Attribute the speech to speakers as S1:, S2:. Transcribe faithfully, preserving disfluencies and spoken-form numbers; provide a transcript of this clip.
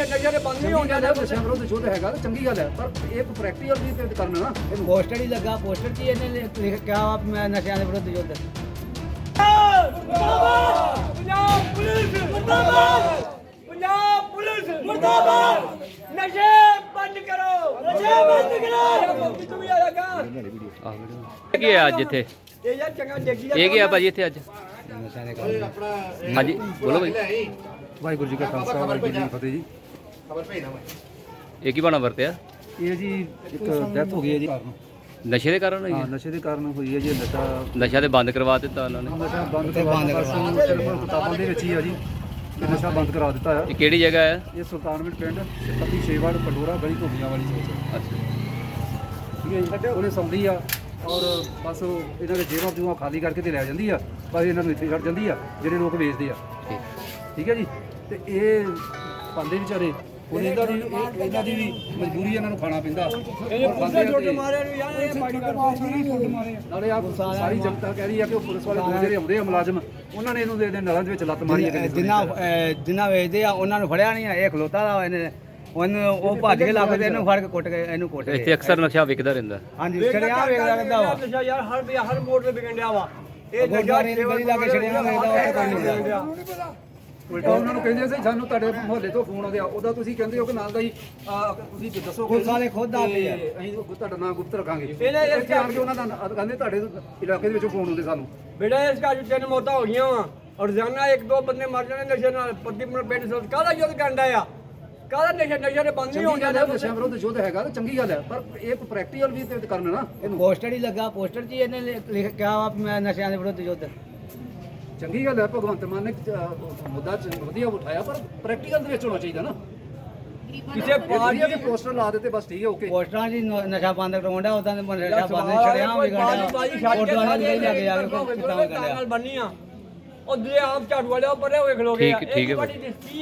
S1: ਨਸ਼ੇ ਨਸ਼ੇ ਦੇ ਬੰਦ ਨਹੀਂ ਹੋਣਗੇ
S2: ਨਸ਼ਿਆਂ ਵਿਰੁੱਧ ਯੁੱਧ ਹੈਗਾ ਤਾਂ ਚੰਗੀ ਗੱਲ ਹੈ, ਪਰ ਇਹ ਪ੍ਰੈਕਟੀਕਲ ਵੀ ਤੇ ਕਰਨਾ ਨਾ ਇਹਨੂੰ।
S3: ਪੋਸਟਰ ਹੀ ਲੱਗਾ, ਪੋਸਟਰ 'ਚ ਹੀ ਇਹਨੇ ਲਿਖ ਕਿਹਾ ਵਾ ਵੀ ਮੈਂ ਨਸ਼ਿਆਂ ਦੇ ਵਿਰੁੱਧ ਯੁੱਧ।
S1: ਪੰਜਾਬ ਪੁਲਿਸ ਮੁਰਦਾਬਾਦ, ਪੰਜਾਬ ਪੁਲਿਸ ਮੁਰਦਾਬਾਦ, ਨਸ਼ੇ ਬੰਦ ਕਰੋ, ਨਸ਼ੇ ਬੰਦ ਕਰੋ। ਤੂੰ ਵੀ ਆਇਆ ਗਾ
S4: ਕੀ ਹੈ ਅੱਜ ਇੱਥੇ?
S1: ਇਹ ਯਾਰ ਚੰਗਾ ਦੇਖੀ ਜਾ
S4: ਇਹ ਕੀ ਆ ਭਾਜੀ ਇੱਥੇ ਅੱਜ?
S3: ਨਸ਼ਿਆਂ ਦੇ ਕਾਰਨ
S4: ਹਾਂਜੀ ਬੋਲੋ ਭਾਈ।
S2: ਵਾਹਿਗੁਰੂ ਜੀ ਕਾ ਖਾਲਸਾ ਵਾਹਿਗੁਰੂ ਜੀ ਕੀ ਫਤਿਹ ਜੀ।
S4: ਇਹ ਕੀ ਬਣਾ ਵਰਤਿਆ?
S2: ਇਹ ਜੀ ਇੱਕ ਡੈਥ ਹੋ ਗਈ ਹੈ ਜੀ,
S4: ਨਸ਼ੇ ਦੇ ਕਾਰਨ ਹੋਈ
S2: ਹਾਂ
S4: ਹੈ?
S2: ਨਸ਼ੇ ਦੇ ਕਾਰਨ ਹੋਈ ਹੈ ਜੀ। ਨਸ਼ਾ
S4: ਨਸ਼ਾ ਤੇ ਬੰਦ ਕਰਵਾ ਦਿੱਤਾ ਉਹਨਾਂ ਨੇ।
S2: ਨਸ਼ਾ ਬੰਦ ਕਰਵਾ ਦਿੱਤਾ, ਕਿਤਾਬਾਂ ਦੇ ਵਿੱਚ ਹੀ ਆ ਜੀ ਕਿ ਨਸ਼ਾ ਬੰਦ ਕਰਾ ਦਿੱਤਾ ਹੈ।
S4: ਇਹ ਕਿਹੜੀ ਜਗ੍ਹਾ ਹੈ?
S2: ਇਹ ਸੁਲਤਾਨਵਿੰਡ ਪਿੰਡ ਪੱਤੀ ਛੇਵਾੜ ਪੰਡੋਰਾ ਗਲੀ ਘੋੜੀਆਂ ਵਾਲੀ ਸੋਚ,
S4: ਅੱਛਾ
S2: ਠੀਕ ਹੈ ਜੀ। ਉਹਨੇ ਸੌਂਦੀ ਆ ਔਰ ਬਸ ਉਹ ਇਹਨਾਂ ਦੇ ਜੇਬਾਂ ਜੂਆਂ ਖਾਲੀ ਕਰਕੇ ਤੇ ਲੈ ਜਾਂਦੀ ਆ, ਬਸ ਇਹਨਾਂ ਨੂੰ ਇੱਥੇ ਛੱਡ ਜਾਂਦੀ ਆ ਜਿਹੜੇ ਲੋਕ ਵੇਚਦੇ ਆ,
S4: ਠੀਕ।
S2: ਠੀਕ ਹੈ ਜੀ। ਤੇ ਇਹ ਪਾਉਂਦੇ ਵਿਚਾਰੇ, ਹੁਣ ਇਹਨਾਂ ਦੀ ਇਹ- ਇਹਨਾਂ ਦੀ ਵੀ ਮਜਬੂਰੀ ਇਹਨਾਂ ਨੂੰ ਖਾਣਾ ਪੈਂਦਾ।
S1: ਇਹ ਪੁਲਿਸ ਛੋਟੇ ਮਾਰੇ ਨੂੰ ਯਾਰ ਇਹ ਪਾਣੀ ਕਰਦੇ
S2: ਨਾਲੇ ਆ ਸਾਰੀ ਜਨਤਾ ਕਹਿ ਰਹੀ ਆ ਕਿ ਉਹ ਪੁਲਿਸ ਵਾਲੇ ਦੋ ਜਿਹੜੇ ਆਉਂਦੇ ਆ ਮੁਲਾਜ਼ਮ, ਉਹਨਾਂ ਨੇ ਇਹਨੂੰ ਦੇ ਦੇ ਨਲਾਂ ਦੇ ਵਿੱਚ ਲੱਤ ਮਾਰੀ ਹੈ।
S3: ਜਿੰਨਾ ਜਿੰਨਾ ਵੇਚਦੇ ਆ ਉਹਨਾਂ ਨੂੰ ਫੜਿਆ ਨਹੀਂ ਆ, ਇਹ ਖਲੋਤਾ ਦਾ ਇਹਨੇ ਉਹਨੂੰ ਉਹ ਭੱਜ ਕੇ ਲੱਗ ਤੇ ਇਹਨੂੰ ਫੜ ਕੇ ਕੁੱਟ ਕੇ ਇਹਨੂੰ ਕੁੱਟ
S4: ਇੱਥੇ
S3: ਕੇ।
S4: ਅਕਸਰ ਨਸ਼ਾ ਵਿਕਦਾ ਰਹਿੰਦਾ।
S3: ਹਾਂਜੀ ਛੜਿਆ ਵੇਖਦਾ ਰਹਿੰਦਾ ਵਾ।
S1: ਨਸ਼ਾ ਯਾਰ ਹਰ ਵੀ ਹਰ ਮੋੜ ਤੇ ਵਿਕਣ ਡਿਆ ਵਾ। ਇਹ
S3: ਗੁਰਦੁਆਰੇ ਦੀ ਗਲੀ ਲਾ ਕੇ ਛੜਿਆ ਵੇਖਦਾ ਉਹ ਪਤਾ ਨਹੀਂ।
S2: ਉਲਟਾ ਉਹਨਾਂ ਨੂੰ ਕਹਿੰਦੇ ਸੀ ਸਾਨੂੰ ਤੁਹਾਡੇ ਮੁਹੱਲੇ ਤੋਂ ਫੋਨ ਆਉਂਦੇ ਆ, ਉਹਦਾ ਤੁਸੀਂ ਕਹਿੰਦੇ ਹੋ ਕਿ ਨਾਲ ਦਾ ਹੀ ਆ, ਤੁਸੀਂ ਦੱਸੋ
S3: ਪੁਲਿਸ ਵਾਲੇ ਖੁਦ ਆਉਂਦੇ ਆ।
S2: ਅਸੀਂ ਤੁਹਾਡਾ ਨਾਮ ਗੁਪਤ ਰੱਖਾਂਗੇ।
S1: ਇਹਨੇ ਇਸ
S2: ਇੱਥੇ ਆਣ ਕੇ ਉਹਨਾਂ ਦਾ ਨਾਂ- ਕਹਿੰਦੇ ਤੁਹਾਡੇ ਇਲਾਕੇ ਦੇ ਵਿੱਚੋਂ ਫੋਨ ਆਉਂਦੇ ਸਾਨੂੰ।
S1: ਬੇਟਾ ਇਸ ਘਰ 'ਚ ਤਿੰਨ ਮੌਤਾਂ ਹੋ ਗਈਆਂ ਵਾ ਔਰ ਰੋਜ਼ਾਨਾ ਇੱਕ ਦੋ ਬੰਦੇ ਮਰ ਜਾਣੇ ਨਸ਼ੇ ਨਾਲ। ਪ੍ਰਦੀਪ ਪਿੰਡ ਸੋਚ ਕਾਹਦਾ ਯੁੱਧ ਕਰਦਾ ਆ, ਕਾਹਦਾ ਨਸ਼ੇ ਨਸ਼ੇ ਦੇ ਬੰਦ ਨਹੀਂ
S2: ਚੰਗੀ
S1: ਹੋਣਗੇ
S2: ਗੱਲ ਹੈ, ਨਸ਼ਿਆਂ ਵਿਰੁੱਧ ਯੁੱਧ ਹੈਗਾ ਤਾਂ ਚੰਗੀ ਗੱਲ ਹੈ, ਪਰ ਇਹ ਪ੍ਰੈਕਟੀਕਲ ਵੀ ਤੇ ਕਰਨਾ ਨਾ ਇਹਨੂੰ।
S3: ਪੋਸਟਰ ਹੀ ਲੱਗਾ, ਪੋਸਟਰ 'ਚ ਹੀ ਇਹਨੇ ਲਿਖ ਕਿਹਾ ਵਾ ਵੀ ਮੈਂ ਨਸ਼ਿਆਂ ਦੇ ਵਿਰੁੱਧ ਯੁੱਧ।
S2: ਚੰਗੀ ਗੱਲ ਹੈ, ਭਗਵੰਤ ਮਾਨ ਨੇ ਅਹ, ਮੁੱਦਾ ਚ ਵਧੀਆ ਉਠਾਇਆ, ਪਰ ਪ੍ਰੈਕਟੀਕਲ ਦੇ ਵਿੱਚ ਹੋਣਾ ਚਾਹੀਦਾ ਨਾ।
S1: ਕਿਸੇ ਪਾਰਟੀ
S2: ਦੇ ਪੋਸਟਰ ਲਾ ਦਿੱਤੇ ਬਸ, ਠੀਕ ਹੈ, ਓਕੇ।
S3: ਪੋਸਟਰਾਂ 'ਚ ਹੀ ਨ- ਨਸ਼ਾ ਬੰਦ ਕਰਾਉਂਦਾ, ਉਦਾਂ ਦੇ ਨਸ਼ਾ ਬੰਦ ਛੜਿਆ ਵਿਗੜਿਆ। ਫੋਟੋਆਂ ਨਾਲ ਨਹੀਂ ਲੱਗੇ ਆ ਕੇ ਕਿਤਾਬ ਕਰ ਲਿਆ।
S1: ਨਾਲ ਬੰਨੀ ਆ ਉਹ ਦੂਜੇ ਆਪ ਝਾੜੂ ਵਾਲੇ ਉੱਪਰ ਵੇਖ ਲੋਗੇ।
S4: ਠੀਕ- ਠੀਕ ਹੈ ਭਾਈ।